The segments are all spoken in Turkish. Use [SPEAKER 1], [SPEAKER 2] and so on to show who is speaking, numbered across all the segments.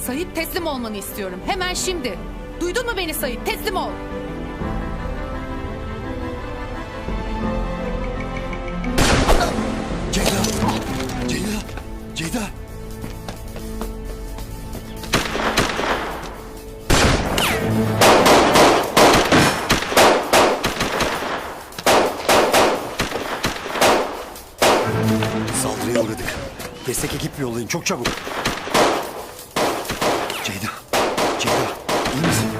[SPEAKER 1] Sait, teslim olmanı istiyorum. Hemen şimdi. Duydun mu beni Sait? Teslim ol.
[SPEAKER 2] Ceyda! Ceyda! Ceyda! Saldırıya uğradık. Destek ekip yollayın çok çabuk. Ceyda! Ceyda! İyi misin?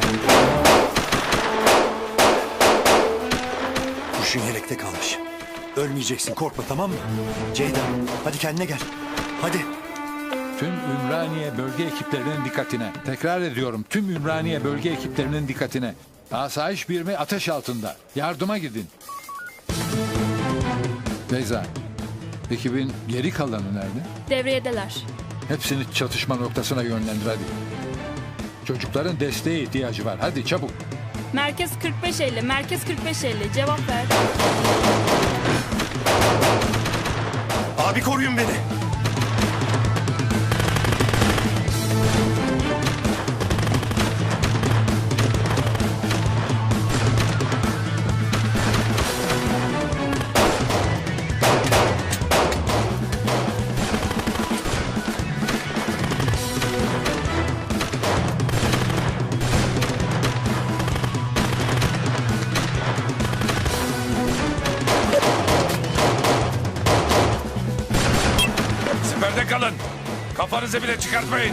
[SPEAKER 2] Kurşun yelekte kalmış. Ölmeyeceksin, korkma, tamam mı? Ceyda, hadi kendine gel. Hadi.
[SPEAKER 3] Tüm Ümraniye bölge ekiplerinin dikkatine. Tekrar ediyorum, tüm Ümraniye bölge ekiplerinin dikkatine. Asayiş birimi ateş altında. Yardıma gidin. Beyza, ekibin geri kalanı nerede?
[SPEAKER 4] Devriyedeler.
[SPEAKER 3] Hepsini çatışma noktasına yönlendir hadi. Çocukların desteğe ihtiyacı var. Hadi çabuk.
[SPEAKER 4] Merkez 45-50, merkez 45-50. Cevap ver.
[SPEAKER 2] Abi koruyun beni.
[SPEAKER 5] Siperde kalın. Kafanızı bile çıkartmayın.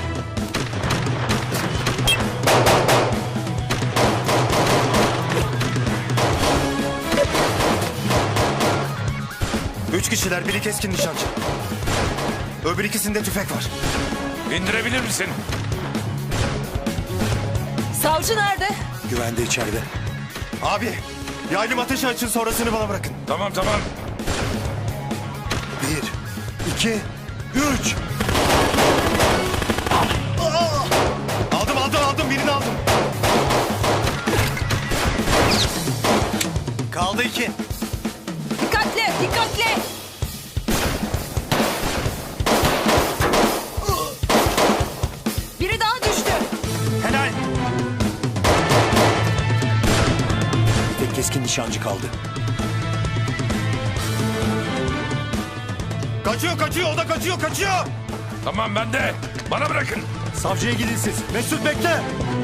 [SPEAKER 2] Üç kişiler, biri keskin nişancı. Öbür ikisinde tüfek var.
[SPEAKER 5] İndirebilir misin?
[SPEAKER 1] Savcı nerede?
[SPEAKER 2] Güvende içeride. Abi, yaylım ateşi açın, sonrasını bana bırakın.
[SPEAKER 5] Tamam.
[SPEAKER 2] 1, 2, 3. Aldım, birini aldım. Kaldı 2.
[SPEAKER 1] Dikkatli! Biri daha düştü.
[SPEAKER 2] Helal. Bir tek keskin nişancı kaldı. Kaçıyor, o da kaçıyor.
[SPEAKER 5] Tamam ben de. Bana bırakın.
[SPEAKER 2] Savcıya gidin siz. Mesut bekle.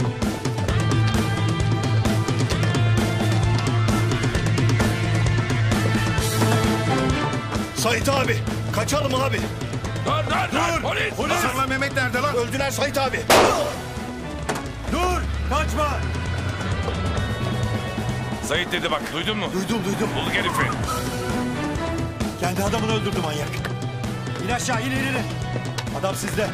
[SPEAKER 2] Sait abi, kaçalım abi.
[SPEAKER 5] Dur. Polis.
[SPEAKER 2] Hasan'la Mehmet nerede lan? Öldüler Sait abi. Dur, kaçma.
[SPEAKER 5] Sait dedi bak, duydun mu?
[SPEAKER 2] Duydum.
[SPEAKER 5] Bul herifi.
[SPEAKER 2] Kendi adamını öldürdü manyak. İn aşağı, in. Adam sizde.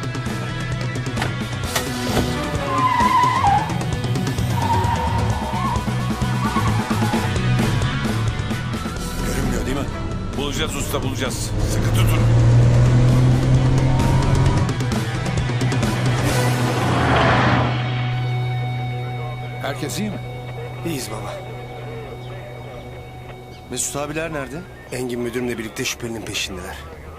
[SPEAKER 2] Görünmüyor değil mi?
[SPEAKER 5] Bulacağız usta, bulacağız. Sıkı tutun.
[SPEAKER 3] Herkes iyi mi?
[SPEAKER 2] İyiyiz baba. Mesut abiler nerede? Engin müdürümle birlikte şüphelinin peşindeler.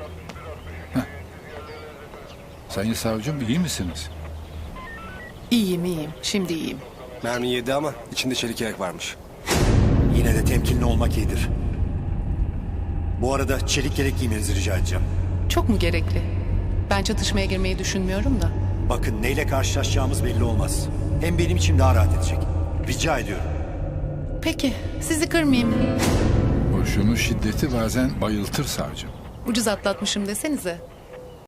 [SPEAKER 3] Sayın savcım iyi misiniz?
[SPEAKER 1] İyiyim. Şimdi iyiyim.
[SPEAKER 2] Mermi yedi ama içinde çelik yelek varmış. Yine de temkinli olmak iyidir. Bu arada çelik yelek giymenizi rica edeceğim.
[SPEAKER 1] Çok mu gerekli? Ben çatışmaya girmeyi düşünmüyorum da.
[SPEAKER 2] Bakın neyle karşılaşacağımız belli olmaz. Hem benim için daha rahat edecek. Rica ediyorum.
[SPEAKER 1] Peki, sizi kırmayayım.
[SPEAKER 3] Kurşunun şiddeti bazen bayıltır savcım.
[SPEAKER 1] Ucuz atlatmışım desenize.